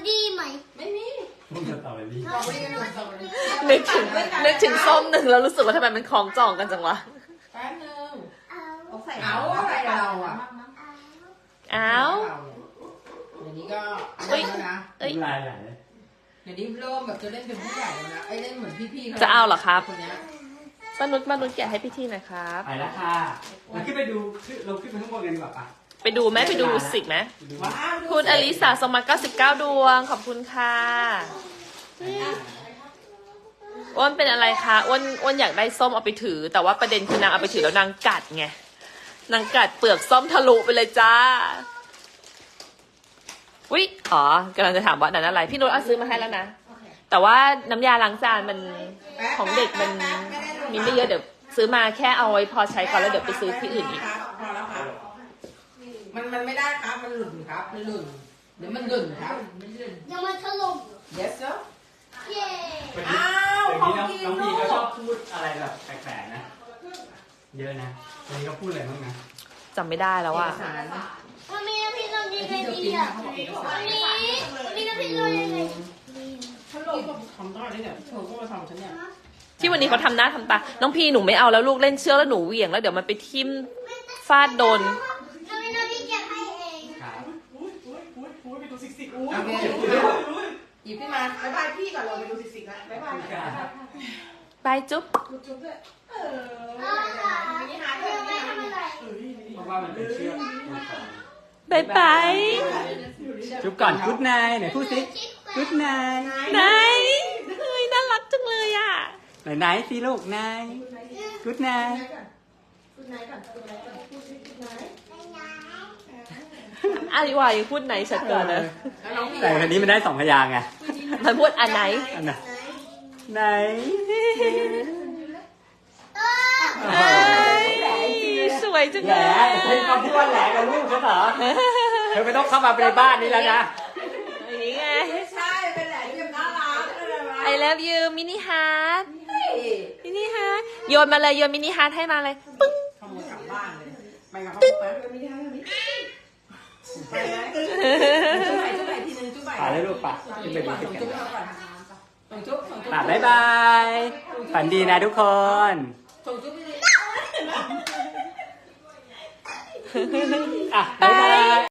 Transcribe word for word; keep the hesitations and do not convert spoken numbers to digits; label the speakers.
Speaker 1: รี่ไหม
Speaker 2: ไม่มี
Speaker 3: ต้องสตรอเบอรี่
Speaker 2: สตรอเบอรี่กันหมดสตรอเบอรี่
Speaker 4: นึกถึงนึกถึงส้มหนึ่งแล้วรู้สึกว่าทำไมมันคล้องจองกันจังวะ
Speaker 2: แป๊บนึง
Speaker 1: เอา
Speaker 2: เอาใส่เอาอะไรเราอ่ะ
Speaker 4: อ้าว
Speaker 2: เดี๋ยวนี้ก็
Speaker 4: เฮ้ย
Speaker 2: แล้วนะ
Speaker 4: เอ้ย
Speaker 3: ลายไหลเลย
Speaker 2: เดี๋ยวนี้เริ่มแบบจะเล่นเป็นผู้ใหญ่แล้วนะไอ้เล่นเหมือนพี่ๆ
Speaker 4: จะเอาเหรอครับ
Speaker 2: คนเนี้ย
Speaker 4: ป้านุชป้านุชแกะให้พี่ทีหน่อยครับ
Speaker 3: ไปแล้วค่ะเราขึ้นไปดูขึ้นเราขึ้นไปข้างบนกันดีกว่าปะ
Speaker 4: ไปดูไหมไปดูสิกไหม
Speaker 3: ว้าว
Speaker 4: คุณอลิสาสมัครเก้าสิบเก้าดวงขอบคุณค่ะอ้วนเป็นอะไรคะอ้วนอ้วนอยากได้ส้มเอาไปถือ แต่ว่าประเด็นคือนางเอาไปถือแล้วนางกัดไงนางกัดเปลือกส้มทะลุไปเลยจ้าอุ๊ยอ๋อกำลังจะถามว่านั่นอะไรพี่นุชเอาซื้อมาให้แล้วนะแต่ว่าน้ำยาล้างจานมันของเด็กมันมีไม่เยอะเดี๋ยวซื้อมาแค่เอาไว้พอใช้ก่อนแล้วเดี๋ยวไปซื้อที่อื่นอีก
Speaker 2: พอแล้วครับมันมันไม่ได้ครับมันหลุดครับมันหลุดเดี๋ยวมันหลุดครับ
Speaker 1: ยังมันถล่ม
Speaker 2: yes sir
Speaker 1: เย้
Speaker 2: อ้าว
Speaker 3: เดี๋ยวนี้น้อง
Speaker 2: ของกิน
Speaker 3: น้องพีก็
Speaker 2: ลูก
Speaker 3: ชอบพูดอะไรแบบแปลกๆนะ เยอะนะวันนี้เขาพูดอะไรบ้างนะ
Speaker 4: จำไม่ได้แล้วว่า
Speaker 2: เอกสาร
Speaker 1: มันมีน้ำพริกลงยังไงดีอ่ะวันนี้มันมีน้ำพริกลงยังไง
Speaker 2: ฉันลงก็ทำได้เลยเนี่ยเธอก็มาทำฉันเนี่ย
Speaker 4: ที่วันนี้เขาทำหน้าทำตา น้องพีหนูไม่เอาแล้วลูกเล่นเชือกแล้วหนูเหวี่ยงแล้วเดี๋ยวมันไปทิ่มฟาดโดน
Speaker 1: มันมีน้ำพริกเก็บให้เอง
Speaker 3: ครับ
Speaker 2: โอเคหยิบขึ้นมาบ๊ายบายพี่ก่อนเราไปดูสิสิกันบ๊ายบาย
Speaker 4: ไปจุ๊บ
Speaker 2: จุ๊บด้วยเออ
Speaker 1: เอาค่ะเดี๋ยวไปทำอะไร
Speaker 3: เพราะว่ามันเป็นเชือก
Speaker 4: บายบาย
Speaker 3: จุ๊บก่อนกุ๊ดนายไหนพูดสิกุ๊ดนาย
Speaker 4: ไหนเฮ้ยน่ารักจังเลยอ่ะ
Speaker 3: ไหนไหนสิลูกนายกุ๊ดนาย
Speaker 2: คุณนายก่อนคุณนายก่อนพูดสิคุณนาย
Speaker 4: อาริวายังพูดไหนชัดเกินนะ
Speaker 2: แล้วน้องพี่
Speaker 3: แต่วันนี้มันได้สองพยางค์ไง
Speaker 4: มันพูดอันไหน
Speaker 3: อันไหนไหน
Speaker 4: เอ้ยสวยจัง
Speaker 3: แห
Speaker 4: เล
Speaker 3: ละ
Speaker 4: ย
Speaker 3: เป็นคำที่ว่าแหละกับลูกฉันเหรอเธอไม่ต้องเข้ามาในบ้านนี้แล้วนะ
Speaker 4: อย่างนี้ไง
Speaker 2: ไม่ใช่เป็นแหละที่น่ารักอะไรวะ
Speaker 4: I love you มินิฮาร์ดมินิฮาร์ดโยนมาเลยโยนมินิฮาร์ดให้มาเลยปึ้ง
Speaker 2: ขโมยกลับบ้านเลยไปกับเขาไปไม่ได้ไม่ได้ไปไหมจุ๊บไหนจุ๊บไหนทีนึงจุ๊บไหน
Speaker 3: ป่าเลยลูกป่าขึ้นไปดู
Speaker 2: ส่
Speaker 3: ติ
Speaker 2: ง
Speaker 3: ดกั
Speaker 2: จุ๊บ
Speaker 3: น
Speaker 2: ให้เขาก่อนส่งจุ๊บส่งจุ๊บ
Speaker 3: ป่าบ๊ายบายฝันดีนะทุกคน
Speaker 2: ส่งจุ๊บไปเลย
Speaker 3: อ่ะบ๊ายบาย